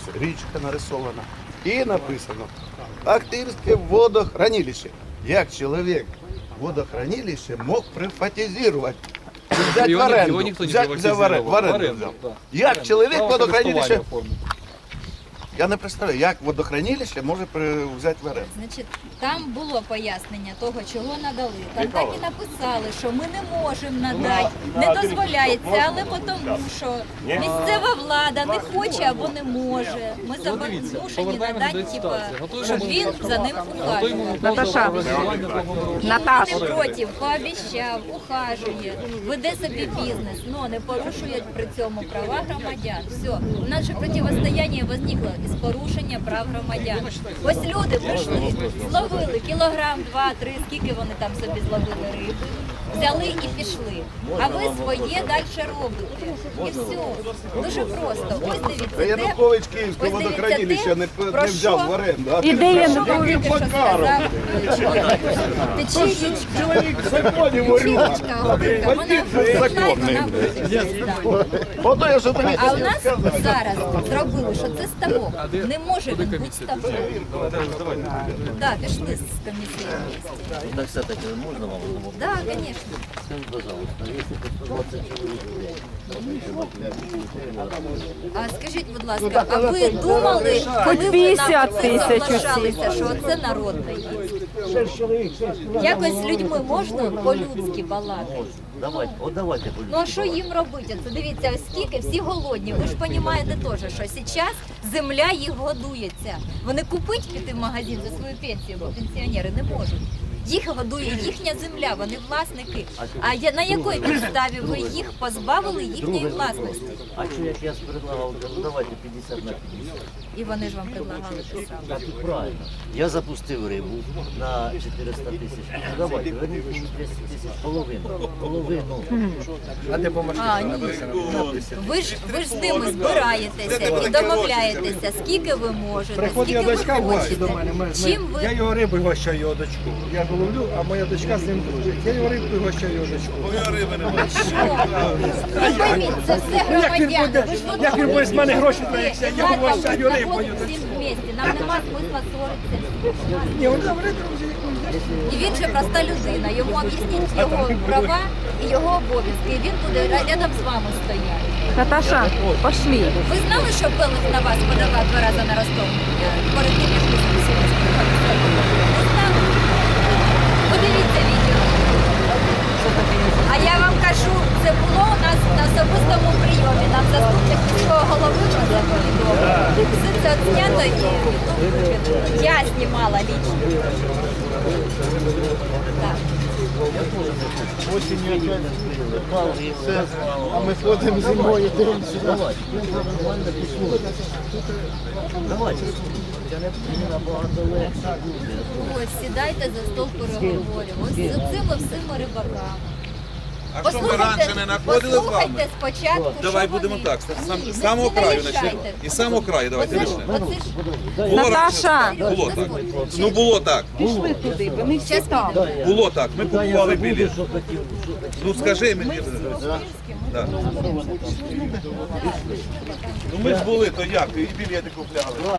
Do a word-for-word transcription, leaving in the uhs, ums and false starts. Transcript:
Ось річка нарисована. І написано Ахтирське водохранилище. Як чоловік водохранилище мог приватизувати? Взять в Його ні- оренду. його ніхто не Взять, взяв в оренду. В оренду оренду, взяв. да. Як чоловік Право водохранилище, користування оформити. я не представляю, як водохранилище може при- взяти в оренду. Значить, там було пояснення того, чого надали. Там так і написали, що ми не можемо надати, не дозволяється, але тому, що місцева влада не хоче або не може. Ми Дивіться, змушені повертаємося надати, до типа, ситуації. Готуємо щоб він за ним Готуємо ухажував. Наташа. Наташ. Не проти, пообіцяв, ухажує, веде собі бізнес, але не порушує при цьому права громадян. Все, у нас же протистояння возникло із порушення прав громадян. Ось люди прийшли, зловили кілограм, два, три, скільки вони там собі зловили риби, взяли і пішли. А ви своє далі робите. І все. Дуже просто. Ось дивіться, де... Янукович Київське ось дивіться, водохранилище не, де, не про взяв що? в оренду. А І де Що Янукович? він тільки що сказав? Тече річка. Чоловік в законі ворюга. Річка, Голубка, вона законний. вона вирішить. Ото я що тобі А у нас зараз зробили, що це ставок. Не може він бути ставком. Так, пішли з комісії. Так все-таки можно вам было? Так, звісно. Скажите, пожалуйста, если по сто двадцать человек, А скажіть, будь ласка, а ви думали, коли ви п'ятдесят нам тисяч соглашалися, що це народне їсть? Якось з людьми можна по-людськи балакати? давайте, вот давайте. Ну а що їм робити? Це дивіться, ось скільки, всі голодні. Ви ж розумієте теж, що зараз земля їх годується. Вони купити піти в магазин за свою пенсію, бо пенсіонери не можуть. Їх годує їхня земля, вони власники. А я- на якій підставі ви їх позбавили їхньої власності? А что я сейчас предлагал? Ну давайте пятьдесят на пятьдесят. І вони ж вам предлагали те саме. Так и правильно. Я запустил рыбу на четыреста тысяч. Ну давайте, верните мені десять тисяч, половину. Половину. А, ні. Ви ж, ви ж з ними збираєтеся і домовляєтеся, скільки ви можете, Приходить скільки дочка ви в гості до хочете. мене. Ми, Чим ми, ви... Я його рибою гощаю, його дочку. Я ж ловлю, а моя дочка з ним дружить. Я його рибою гощаю, його дочку. Ви пойміть, це все Ну, як він громадяни. буде, Ви ж як він буде з мене гроші брати, я його Ладно, гощаю ми рибою. знаходимося всім вместе, нам нема смисла ссоритися. Ні, он добре, друзі, І він же проста людина, йому об'ясніть його права і його обов'язки, і він буде рядом з вами стояти. Наташа, пошли. Ви знали, що Белих на вас подавав два рази на розтовлення перед тим, як ви спустилися? Не знали? Подивіться відео. А я вам кажу, це було у нас на особистому прийомі. Нам заступник міського голови про це повідомив. Все це відзнято і ютуб викинули. Я знімала лічно. Так. А ми ходимо зимою, дивимося. Давайте. Давайте. Мені набагато легше буде. Ось, сідайте за стол переговорів. Ось з цими всіми рибаками. А що ми раніше не знаходили з вами? Послухайте спочатку, Давай що будемо вони. так, з сам- Ні, з не- самого не краю нарішайте. почнемо. І з самого краю давайте Оце ж- почнемо. оце ж- Було Наташа. раніше, було так. Ну було так. Пішли туди, вони всі там. Було так. Ми Та я купували забуду, білет. що хотів, що хотів. Ну скажи мені. Да. Ну ми ж були, то як? І білети купляли.